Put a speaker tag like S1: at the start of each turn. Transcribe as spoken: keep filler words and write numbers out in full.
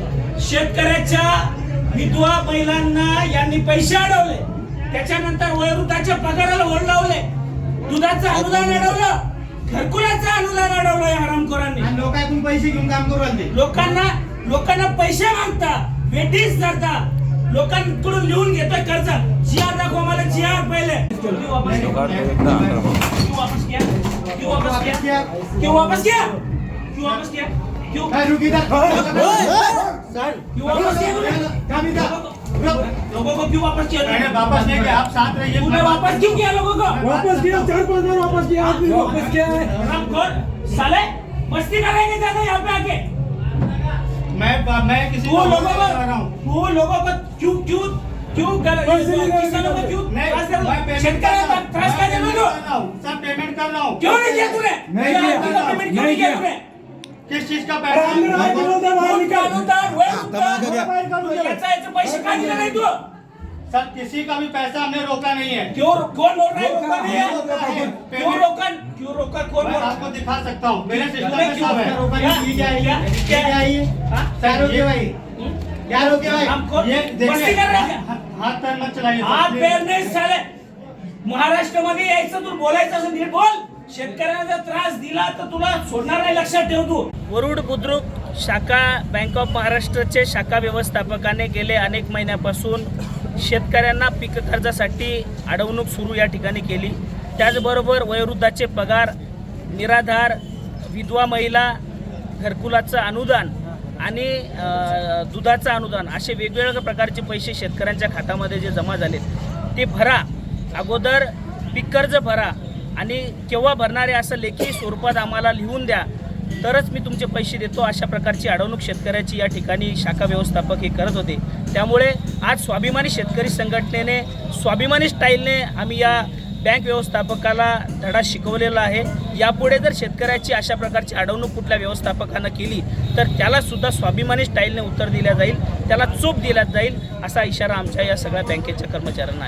S1: शेतकऱ्याच्या विधवा महिलांना यांनी पैसे अडवले, त्याच्यानंतर वयोवृद्धाच्या पगाराला ओढ लावले, दुधाचं अनुदान अडवलं, घरकुलाचं अनुदान अडवलं या हरामखोरांनी.
S2: लोकांकडून पैसे घेऊन काम करू लागले.
S1: लोकांना लोकांना पैसे मागता, वेटीस करता, लोकांकडून लिहून घेतोय कर्ज. जिआर दाखवा मला, जिआर पहिले क्यों वापस किया, क्यों वापस किया, क्यों वापस किया, क्यों वापस किया, क्यों वापस किया, क्यों
S2: रुक इधर
S1: सर, क्यों वापस किया, लोगों को क्यों वापस किया?
S2: मैंने वापस नहीं किया, आप साथ रहिए.
S1: तूने वापस क्यों किया लोगों को?
S3: वापस किया, चार पांच बार वापस किया, आज भी वापस किया है.
S1: हरामखोर साले, मस्ती करेंगे ज्यादा यहाँ पे आके.
S2: मैं मैं किसी
S1: तू
S2: को
S1: लोगों
S2: नहीं
S1: को
S2: कर रहा हूं.
S1: तू लोगों को क्यों क्यों क्यों कर किसानों को क्यों
S2: नहीं,
S1: त्रास कर
S2: मैं
S1: रहा?
S2: पेमेंट
S1: शेतकऱ्यांना त्रास का देतो तू?
S2: कर रहा हूं, सब पेमेंट कर रहा हूं.
S1: क्यों नहीं किया तूने?
S3: नहीं किया.
S1: पेमेंट क्यों
S3: नहीं
S1: नहीं किया
S3: किया.
S1: तूने?
S2: किस चीज का
S3: अंदर आए
S2: पैसा?
S3: बोलो तो बाहर निकाल.
S1: अनुदान, वय
S3: तमाशा क्या?
S1: अनुदान, याचा याचे पैसे का दिले नाही तू?
S2: सर किसी का भी पैसा हमने रोका नहीं है.
S1: क्यों कौन बोल रहा है रोका नहीं है?
S2: रोका है.
S1: क्यों रोका क्यों रोका कौन
S2: मैं
S1: बोल रहा
S2: आपको दिखा सकता हूँ. मेरे सिस्टम
S1: तुम्हें
S2: में
S1: क्यों
S2: सब है.
S1: रोका?
S2: ये क्या है?
S1: क्या?
S2: ये
S1: क्या?
S2: क्या है ये?
S1: हाँ?
S2: क्या रोके भाई? क्या रोके भाई?
S1: हमको
S2: ये
S1: मस्ती कर रहे हैं?
S2: हाथ पैर मत चलाइए.
S1: हात पेर नाही साले. महाराष्ट्रामध्ये यायचं तू बोलायचं असं नीट बोल. शेतकऱ्यांना जर त्रास दिला तर तुला सोडणार नाही, लक्षात ठेव तू. वरुड बुद्रुक शाखा बँक ऑफ महाराष्ट्राचे शाखा व्यवस्थापकाने गेले अनेक महिन्यापासून शेतकऱ्यांना पीक कर्जासाठी अडवणूक सुरू या ठिकाणी केली. त्याचबरोबर वयोवृद्धाचे पगार, निराधार, विधवा महिला, घरकुलाचं अनुदान आणि दुधाचं अनुदान असे वेगवेगळ्या प्रकारचे पैसे शेतकऱ्यांच्या खात्यामध्ये जे जमा झाले ते भरा. अगोदर पीक कर्ज भरा आणि केव्हा भरणारे असं लेखी स्वरूपात आम्हाला लिहून द्या, तरच मी तुमचे पैसे देतो. अशा प्रकारची अडवणूक शेतकऱ्याची या ठिकाणी शाखा व्यवस्थापक हे करत होते. त्यामुळे आज स्वाभिमानी शेतकरी संघटनेने स्वाभिमानी स्टाईलने आम्ही या बँक व्यवस्थापकाला धडा शिकवलेला आहे. यापुढे जर शेतकऱ्याची अशा प्रकारची अडवणूक कुठल्या व्यवस्थापकानं केली तर त्यालासुद्धा स्वाभिमानी स्टाईलने उत्तर दिल्या जाईल, त्याला चूप दिला जाईल असा इशारा आमच्या या सगळ्या बँकेच्या कर्मचाऱ्यांना आहे.